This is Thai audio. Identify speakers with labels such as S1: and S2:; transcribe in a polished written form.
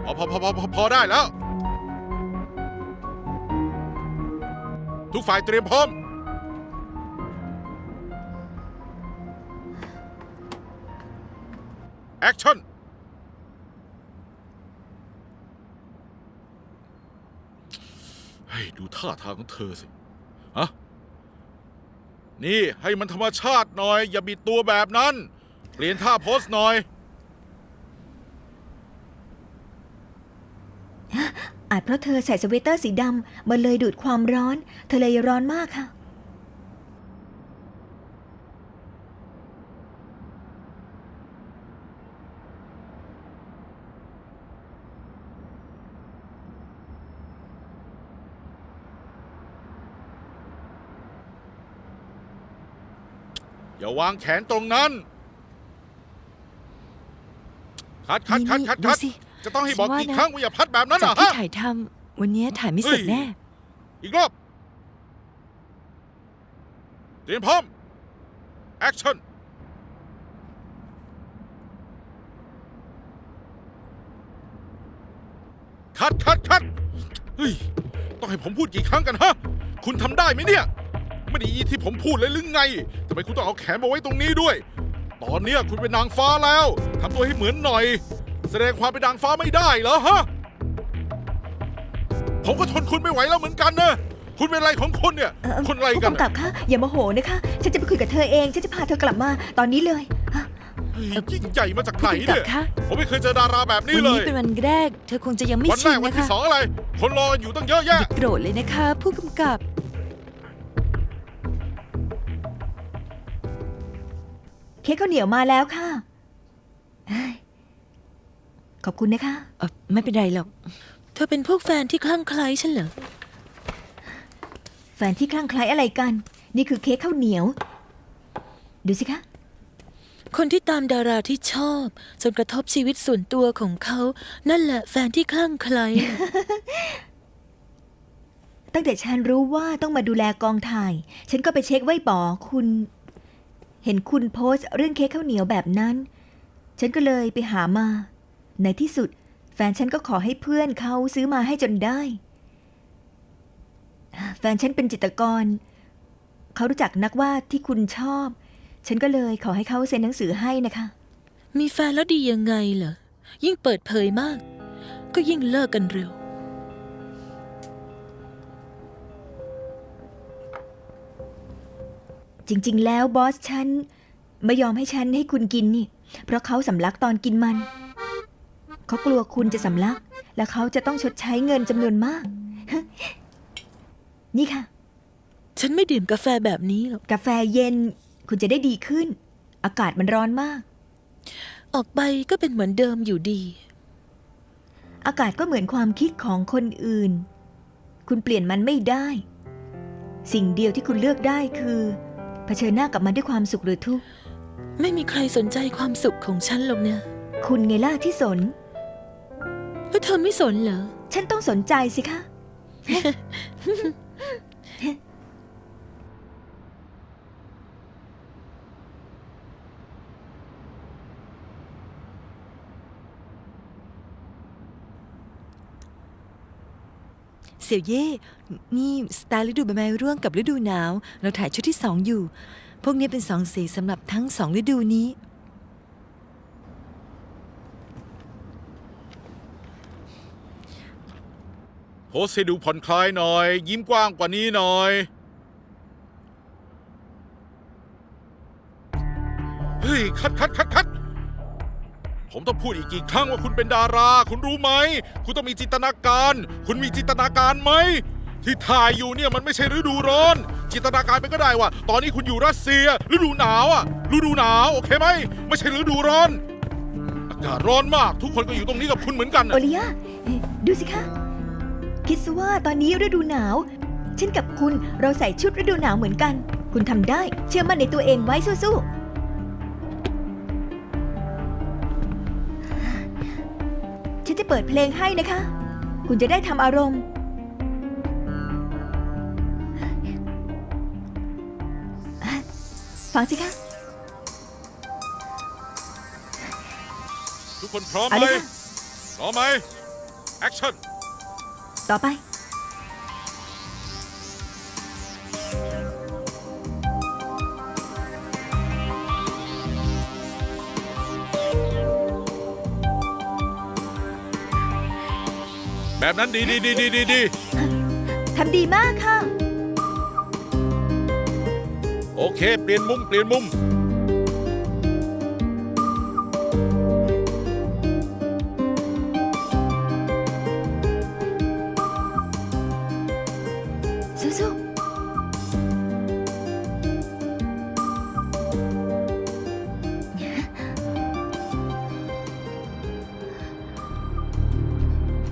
S1: พอได้แล้วทุกฝ่ายเตรียมพร้อมแอคชั่นให้ดูท่าทางของเธอสิฮะนี่ให้มันธรรมชาติหน่อยอย่าบิดตัวแบบนั้นเปลี่ยนท่าโพสหน่อย
S2: อาจเพราะเธอใส่สเวตเตอร์สีดำมันเลยดูดความร้อนเธอเลยร้อนมากค่ะ
S1: อย่าวางแขนตรงนั้นคัดจะต้องให้บอกกี่ครั้งว่าอย่าพัดแบบนั้นเหรอฮะ
S3: จากที่ถ่ายทำวันนี้ถ่ายไม่เสร็จแน่
S1: อีกรอบเตรียมพร้อมแอคชั่นคัดเฮ้ยต้องให้ผมพูดกี่ครั้งกันฮะคุณทำได้ไหมเนี่ยไม่ได้ยินที่ผมพูดเลยหรือไงทำไมคุณต้องเอาแขนมาไว้ตรงนี้ด้วยตอนนี้คุณเป็นนางฟ้าแล้วทำตัวให้เหมือนหน่อยแสดงความเป็นนางฟ้าไม่ได้เหรอฮะผมก็ทนคุณไม่ไหวแล้วเหมือนกันนะคุณเป็นอะไรของคุณเนี่ยคนอะไรกัน
S2: ผู้กำกับคะอย่าโมโหนะคะฉันจะไปคุยกับเธอเองฉันจะพาเธอกลับมาตอนนี้เลย
S1: ยิ่งใหญ่มาจากไหนเนี่ยผมไม่เคยเจอดาราแบบนี้เลย
S3: วันนี้เป็นวันแรกเธอคงจะยังไม่ชินนะคะ
S1: วันที่สองอะไรคนรออยู่ตั้งเยอะแยะ
S3: โกรธเลยนะคะผู้กำกับ
S2: เค้กข้าวเหนียวมาแล้วค่ะขอบคุณนะคะ
S3: ไม่เป็นไรหรอกเธอเป็นพวกแฟนที่คลั่งไคล้ฉันเหรอ
S2: แฟนที่คลั่งไคล้อะไรกันนี่คือเค้กข้าวเหนียวดูสิคะ
S3: คนที่ตามดาราที่ชอบจนกระทบชีวิตส่วนตัวของเขานั่นแหละแฟนที่คลั่งไคล้
S2: ตั้งแต่ฉันรู้ว่าต้องมาดูแลกองถ่ายฉันก็ไปเช็คไว้ป๋อคุณเห็นคุณโพสต์เรื่องเค้กข้าวเหนียวแบบนั้นฉันก็เลยไปหามาในที่สุดแฟนฉันก็ขอให้เพื่อนเขาซื้อมาให้จนได้แฟนฉันเป็นจิตรกรเขารู้จักนักวาดที่คุณชอบฉันก็เลยขอให้เขาเซ็นหนังสือให้นะคะ
S3: มีแฟนแล้วดียังไงเหรอยิ่งเปิดเผยมากก็ยิ่งเลิกกันเร็ว
S2: จริงๆแล้วบอสฉันไม่ยอมให้ฉันให้คุณกินนี่เพราะเขาสำลักตอนกินมันเขากลัวคุณจะสำลักและเขาจะต้องชดใช้เงินจำนวนมาก นี่ค่ะ
S3: ฉันไม่ดื่มกาแฟแบบนี้หรอก
S2: กาแฟเย็นคุณจะได้ดีขึ้นอากาศมันร้อนมาก
S3: ออกไปก็เป็นเหมือนเดิมอยู่ดี
S2: อากาศก็เหมือนความคิดของคนอื่นคุณเปลี่ยนมันไม่ได้สิ่งเดียวที่คุณเลือกได้คือเผชิญหน้ากับมันด้วยความสุขหรือทุกข์
S3: ไม่มีใครสนใจความสุขของฉันหรอกเนี่ย
S2: คุณไงล่ะที่สน
S3: แล้วเธอไม่สนเหรอ
S2: ฉันต้องสนใจสิคะ
S3: เสี่ยวเย่นี่สไตล์ฤดูใบไม้ร่วงกับฤดูหนาวเราถ่ายชุดที่2อยู่พวกนี้เป็น2สีสำหรับทั้ง2ฤดูนี้
S1: โพสให้ดูผ่อนคลายหน่อยยิ้มกว้างกว่านี้หน่อยเฮ้ยคัดผมต้องพูดอีกกี่ครั้งว่าคุณเป็นดาราคุณรู้ไหมคุณต้องมีจินตนาการคุณมีจินตนาการไหมที่ถ่ายอยู่เนี่ยมันไม่ใช่ฤดูร้อนจินตนาการไปก็ได้ว่าตอนนี้คุณอยู่รัสเซียฤดูหนาวอะฤดูหนาวโอเคไหมไม่ใช่ฤดูร้อนอากาศร้อนมากทุกคนก็อยู่ตรงนี้กับคุณเหมือนกัน
S2: โอลิยาดูสิคะคิดซะว่าตอนนี้ฤดูหนาวฉันกับคุณเราใส่ชุดฤดูหนาวเหมือนกันคุณทำได้เชื่อมั่นในตัวเองไว้สู้ๆฉันจะเปิดเพลงให้นะคะคุณจะได้ทำอารมณ์ฟังสิคะ
S1: ทุกคนพร้อมไหมพร้อมไหมแอคชั่น
S2: ต่อไป
S1: แบบนั้นดีดี
S2: ทำดีมากค่ะ
S1: โอเค เปลี่ยนมุม
S2: สู้ๆ